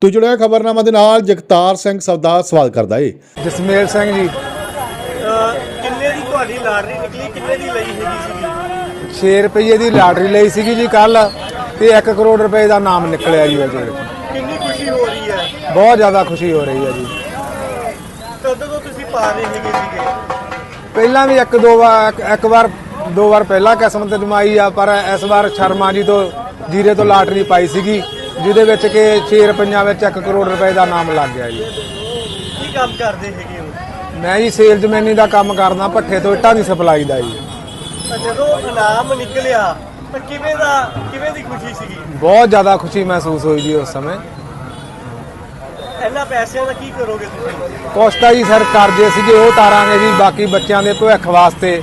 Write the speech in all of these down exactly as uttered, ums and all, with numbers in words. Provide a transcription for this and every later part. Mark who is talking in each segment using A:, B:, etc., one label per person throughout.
A: ਤੋਂ ਜੁੜਿਆ ਖਬਰਨਾਮਾ ਦੇ ਨਾਲ ਜਗਤਾਰ ਸਿੰਘ ਸਬਦਾ ਸਵਾਲ ਕਰਦਾ ਏ।
B: ਜਸਮੇਲ ਸਿੰਘ ਜੀ।
C: ਕਿੰਨੇ ਦੀ ਤੁਹਾਡੀ ਲਾਟਰੀ ਨਿਕਲੀ, ਕਿੰਨੇ ਦੀ ਲਈ ਹੈਗੀ ਸੀਗੀ?
B: ਛੇ ਰੁਪਏ ਦੀ ਲਾਟਰੀ ਲਈ ਸੀਗੀ ਜੀ ਕੱਲ, ਤੇ ਇੱਕ ਕਰੋੜ ਰੁਪਏ ਦਾ ਨਾਮ ਨਿਕਲਿਆ ਜੀ ਉਹਦੇ ਵਿੱਚ।
C: ਕਿੰਨੀ ਖੁਸ਼ੀ ਹੋ ਰਹੀ ਹੈ?
B: ਬਹੁਤ ਜ਼ਿਆਦਾ ਖੁਸ਼ੀ ਹੋ ਰਹੀ ਹੈ ਜੀ।
C: ਕਦੋਂ ਤੋਂ ਤੁਸੀਂ ਪਾ ਰਹੇ ਹੈਗੇ ਸੀਗੇ?
B: ਪਹਿਲਾਂ ਵੀ ਇੱਕ ਦੋ ਵਾਰ ਇੱਕ ਵਾਰ ਦੋ ਵਾਰ ਪਹਿਲਾਂ ਕਿਸਮਤ ਜਮਾਈ ਆ, ਪਰ ਇਸ ਵਾਰ ਸ਼ਰਮਾ ਜੀ ਤੋਂ ਜੀਰੇ ਤੋਂ ਲਾਟਰੀ ਪਾਈ ਸੀਗੀ, ਜਿਹਦੇ ਵਿੱਚ ਕਿ ਛੇ ਰੁਪਈਆਂ ਵਿੱਚ ਇੱਕ ਕਰੋੜ ਰੁਪਏ ਦਾ ਨਾਮ ਲੱਗ ਗਿਆ ਜੀ।
C: ਕੀ ਕੰਮ ਕਰਦੇ ਹੈਗੇ ਹੋ?
B: ਮੈਂ ਜੀ ਸੇਲਜ਼ਮੈਨੀ ਦਾ ਕੰਮ ਕਰਦਾ, ਭੱਠੇ ਤੋਂ ਇੱਟਾਂ ਦੀ ਸਪਲਾਈ ਦਾ ਜੀ।
C: ਤਾਂ ਜਦੋਂ ਇਨਾਮ ਨਿਕਲਿਆ ਤਾਂ ਕਿਵੇਂ ਦਾ ਕਿਵੇਂ ਦੀ ਖੁਸ਼ੀ ਸੀਗੀ?
B: ਬਹੁਤ ਜ਼ਿਆਦਾ ਖੁਸ਼ੀ ਮਹਿਸੂਸ ਹੋਈ ਜੀ ਉਸ ਸਮੇਂ।
C: ਇਹਨਾਂ ਪੈਸਿਆਂ ਦਾ ਕੀ ਕਰੋਗੇ ਤੁਸੀਂ?
B: ਕੋਸਟਾ ਜੀ ਸਰ ਕਰਜ਼ੇ ਸੀਗੇ ਉਹ ਤਾਰਾਂਗੇ ਜੀ, ਬਾਕੀ ਬੱਚਿਆਂ ਦੇ ਭਵਿੱਖ ਵਾਸਤੇ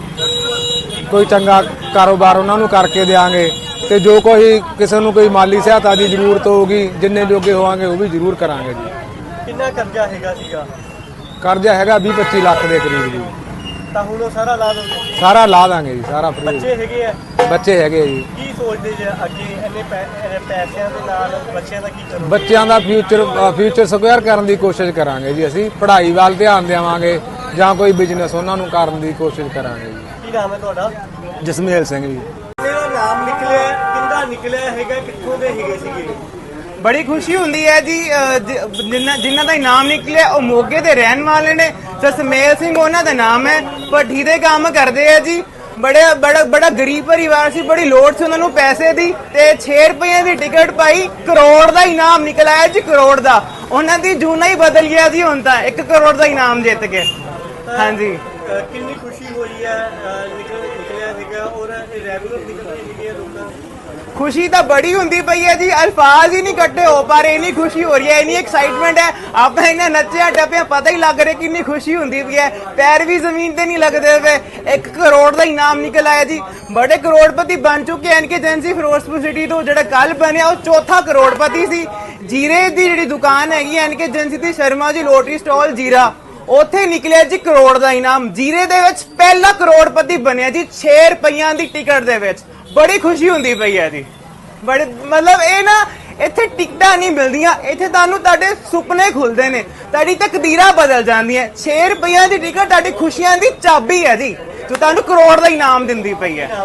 B: ਕੋਈ ਚੰਗਾ ਕਾਰੋਬਾਰ ਉਹਨਾਂ ਨੂੰ ਕਰਕੇ ਦੇਵਾਂਗੇ, ਤੇ ਜੋ ਕੋਈ ਕਿਸੇ ਨੂੰ ਕੋਈ ਮਾਲੀ ਸਹਾਇਤਾ ਦੀ ਜ਼ਰੂਰਤ ਹੋਊਗੀ, ਜਿੰਨੇ ਜੋਗੇ ਹੋਵਾਂਗੇ ਉਹ ਵੀ ਜ਼ਰੂਰ ਕਰਾਂਗੇ ਜੀ।
C: ਕਿੰਨਾ ਕਰਜ਼ਾ ਹੈਗਾ ਸੀਗਾ?
B: ਕਰਜ਼ਾ ਹੈਗਾ ਵੀਹ ਪੱਚੀ ਲੱਖ ਦੇ ਕਰੀਬ ਜੀ।
C: ਤਾਂ ਹੁਣ ਉਹ ਸਾਰਾ ਲਾ ਦੋਗੇ?
B: ਸਾਰਾ ਲਾ ਦਾਂਗੇ ਜੀ, ਸਾਰਾ ਫ੍ਰੀ।
C: ਬੱਚੇ ਹੈਗੇ ਆ?
B: ਬੱਚੇ ਹੈਗੇ ਜੀ।
C: ਕੀ ਸੋਚਦੇ ਜੇ ਅੱਗੇ ਇੰਨੇ ਪੈ- ਇੰਨੇ ਪੈਸਿਆਂ ਦੇ ਨਾਲ ਬੱਚਿਆਂ ਦਾ ਕੀ ਕਰੋਗੇ?
B: ਬੱਚਿਆਂ ਦਾ ਫਿਊਚਰ ਫਿਊਚਰ ਸਕੁਅਰ ਕਰਨ ਦੀ ਕੋਸ਼ਿਸ਼ ਕਰਾਂਗੇ ਜੀ। ਅਸੀਂ ਪੜ੍ਹਾਈ ਵੱਲ ਧਿਆਨ ਦੇਵਾਂਗੇ ਜਾਂ ਕੋਈ ਬਿਜ਼ਨਸ ਉਹਨਾਂ ਨੂੰ ਕਰਨ ਦੀ ਕੋਸ਼ਿਸ਼ ਕਰਾਂਗੇ ਜੀ।
C: ਕੀ ਨਾਮ ਹੈ ਤੁਹਾਡਾ?
B: ਜਸਮੇਲ ਸਿੰਘ ਜੀ।
C: ਮੇਰਾ ਨਾਮ ਨਿਕਲਿਆ, ਕਿੰਦਾ ਨਿਕਲਿਆ ਹੈਗਾ, ਕਿੱਥੋਂ ਦੇ ਹੈਗੇ ਸੀਗੇ?
D: ਬੜੀ ਖੁਸ਼ੀ ਹੁੰਦੀ ਹੈ ਜੀ। ਜਿਨ੍ਹਾਂ ਜਿਨ੍ਹਾਂ ਦਾ ਇਨਾਮ ਨਿਕਲਿਆ ਉਹ ਮੋਗੇ ਦੇ ਰਹਿਣ ਵਾਲੇ ਨੇ। ਜਸਮੇਲ ਸਿੰਘ ਉਹਨਾਂ ਦਾ ਨਾਮ ਹੈ, ਭੱਠੀ ਦੇ ਕੰਮ ਕਰਦੇ ਆ ਜੀ। ਬੜੇ ਬੜਾ ਬੜਾ ਗਰੀਬ ਪਰਿਵਾਰ ਸੀ, ਬੜੀ ਲੋੜ ਸੀ ਉਹਨਾਂ ਨੂੰ ਪੈਸੇ ਦੀ, ਤੇ ਛੇ ਰੁਪਏ ਦੀ ਟਿਕਟ ਪਾਈ, ਕਰੋੜ ਦਾ ਇਨਾਮ ਨਿਕਲ ਆਇਆ ਜੀ, ਕਰੋੜ ਦਾ। ਉਹਨਾਂ ਦੀ ਜੂਨਾ ਹੀ ਬਦਲ ਗਿਆ ਜੀ, ਹੁਣ ਤਾਂ ਇੱਕ ਕਰੋੜ ਦਾ ਇਨਾਮ ਜਿੱਤ ਕੇ। ਹਾਂਜੀ,
C: ਕਿੰਨੀ ਖੁਸ਼ੀ ਹੋਈ ਹੈ? ਨਿਕਲ ਨਿਕਲਿਆ ਹੈਗਾ ਔਰ ਰੈਗੂਲਰ ਨਿਕਲਦੇ ਹੈਗੇ ਲੋਕਾਂ ਦੀ
D: ਖੁਸ਼ੀ ਤਾਂ ਬੜੀ ਹੁੰਦੀ ਪਈ ਹੈ ਜੀ, ਅਲਫਾਜ਼ ਹੀ ਨਹੀਂ ਇਕੱਠੇ ਹੋ ਪਾ ਰਹੇ, ਇੰਨੀ ਖੁਸ਼ੀ ਹੋ ਰਹੀ ਹੈ, ਇੰਨੀ ਐਕਸਾਈਟਮੈਂਟ ਹੈ। ਆਪਾਂ ਇਹਨਾਂ ਨੱਚਿਆ ਟੱਪਿਆ ਪਤਾ ਹੀ ਲੱਗ ਰਿਹਾ ਕਿੰਨੀ ਖੁਸ਼ੀ ਹੁੰਦੀ ਪਈ ਹੈ, ਪੈਰ ਵੀ ਜ਼ਮੀਨ ਤੇ ਨਹੀਂ ਲੱਗਦੇ ਪਏ। ਇੱਕ ਕਰੋੜ ਦਾ ਇਨਾਮ ਨਿਕਲ ਆਇਆ ਜੀ। ਬੜੇ ਕਰੋੜਪਤੀ ਬਣ ਚੁੱਕੇ N K agency Ferozepur city ਤੋਂ। ਜਿਹੜਾ ਕੱਲ ਬਣਿਆ ਉਹ ਚੌਥਾ ਕਰੋੜਪਤੀ ਸੀ। ਜੀਰੇ ਦੀ ਜਿਹੜੀ ਦੁਕਾਨ ਹੈਗੀ ਐਨ ਕੇ ਏਜੰਸੀ ਦੀ, ਸ਼ਰਮਾ ਜੀ ਲੋਟਰੀ ਸਟਾਲ ਜੀਰਾ, ਉੱਥੇ ਨਿਕਲਿਆ ਜੀ ਕਰੋੜ ਦਾ ਇਨਾਮ। ਜੀਰੇ ਦੇ ਵਿੱਚ ਪਹਿਲਾ ਕਰੋੜਪਤੀ ਬਣਿਆ ਜੀ, ਛੇ ਰੁਪਈਆਂ ਦੀ ਟਿਕਟ ਦੇ ਵਿੱਚ। ਬੜੀ ਖੁਸ਼ੀ ਹੁੰਦੀ ਪਈ ਹੈ ਜੀ। ਬੜੇ ਮਤਲਬ ਇਹ ਨਾ ਇੱਥੇ ਟਿਕਟਾਂ ਨਹੀਂ ਮਿਲਦੀਆਂ, ਇੱਥੇ ਤੁਹਾਨੂੰ ਤੁਹਾਡੇ ਸੁਪਨੇ ਖੁੱਲਦੇ ਨੇ, ਤੁਹਾਡੀ ਤਕਦੀਰਾਂ ਬਦਲ ਜਾਂਦੀਆਂ। ਛੇ ਰੁਪਈਆਂ ਦੀ ਟਿਕਟ ਤੁਹਾਡੀ ਖੁਸ਼ੀਆਂ ਦੀ ਚਾਬੀ ਹੈ ਜੀ, ਜੋ ਤੁਹਾਨੂੰ ਕਰੋੜ ਦਾ ਇਨਾਮ ਦਿੰਦੀ ਪਈ ਹੈ।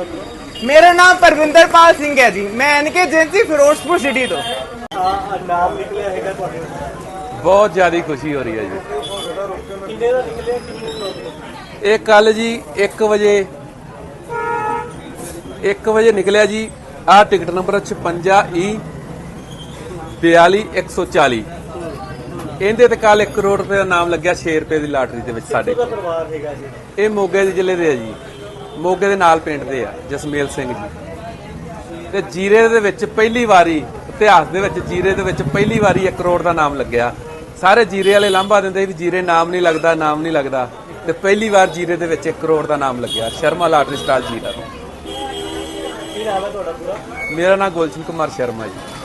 D: ਮੇਰਾ ਨਾਮ ਪਰਵਿੰਦਰਪਾਲ ਸਿੰਘ ਹੈ ਜੀ, ਮੈਂ N K agency Ferozepur city ਤੋਂ।
C: ਨਾਮ ਨਿਕਲਿਆ ਹੈਗਾ ਤੁਹਾਡੇ?
E: ਬਹੁਤ ਜ਼ਿਆਦਾ ਖੁਸ਼ੀ ਹੋ ਰਹੀ ਹੈ ਜੀ।
C: ਕਿੰਨੇ ਦਾ ਨਿਕਲਿਆ, ਕਿੰਨੇ ਦਾ?
E: ਇਹ ਕੱਲ ਜੀ ਇੱਕ ਵਜੇ ਇੱਕ ਵਜੇ ਨਿਕਲਿਆ ਜੀ। ਆਹ ਟਿਕਟ ਨੰਬਰ ਛਪੰਜਾ ਈ ਬਿਆਲੀ ਇੱਕ ਸੌ ਚਾਲੀ। ਇਹਦੇ ਤੇ ਕੱਲ ਇੱਕ ਕਰੋੜ ਰੁਪਏ ਦਾ ਨਾਮ ਲੱਗਿਆ ਛੇ ਰੁਪਏ ਦੀ ਲਾਟਰੀ ਦੇ ਵਿੱਚ। ਸਾਡੇ
C: ਦਾ ਪਰਿਵਾਰ ਹੈਗਾ ਜੀ?
E: ਇਹ ਮੋਗੇ ਦੇ ਜ਼ਿਲ੍ਹੇ ਦੇ ਆ ਜੀ, ਮੋਗੇ ਦੇ ਨਾਲ ਪਿੰਡ ਦੇ ਆ, ਜਸਮੇਲ ਸਿੰਘ ਜੀ। ਤੇ ਜੀਰੇ ਦੇ ਵਿੱਚ ਪਹਿਲੀ ਵਾਰੀ ਇਤਿਹਾਸ ਦੇ ਵਿੱਚ ਜੀਰੇ ਦੇ ਵਿੱਚ ਪਹਿਲੀ ਵਾਰੀ ਇੱਕ ਕਰੋੜ ਦਾ ਨਾਮ ਲੱਗਿਆ। ਸਾਰੇ ਜੀਰੇ ਵਾਲੇ ਲਾਂਭਾ ਦਿੰਦੇ ਵੀ ਜੀਰੇ ਨਾਮ ਨਹੀਂ ਲੱਗਦਾ, ਨਾਮ ਨਹੀਂ ਲੱਗਦਾ, ਤੇ ਪਹਿਲੀ ਵਾਰ ਜੀਰੇ ਦੇ ਵਿੱਚ ਇੱਕ ਕਰੋੜ ਦਾ ਨਾਮ ਲੱਗਿਆ, ਸ਼ਰਮਾ ਲਾਟਰੀ ਸਟਾਲ ਜੀਰਾ ਤੋਂ।
C: ਕੀ ਨਾਮ ਹੈ ਤੁਹਾਡਾ ਪੂਰਾ?
E: ਮੇਰਾ ਨਾਮ ਗੁਲਸ਼ਨ ਕੁਮਾਰ ਸ਼ਰਮਾ ਜੀ।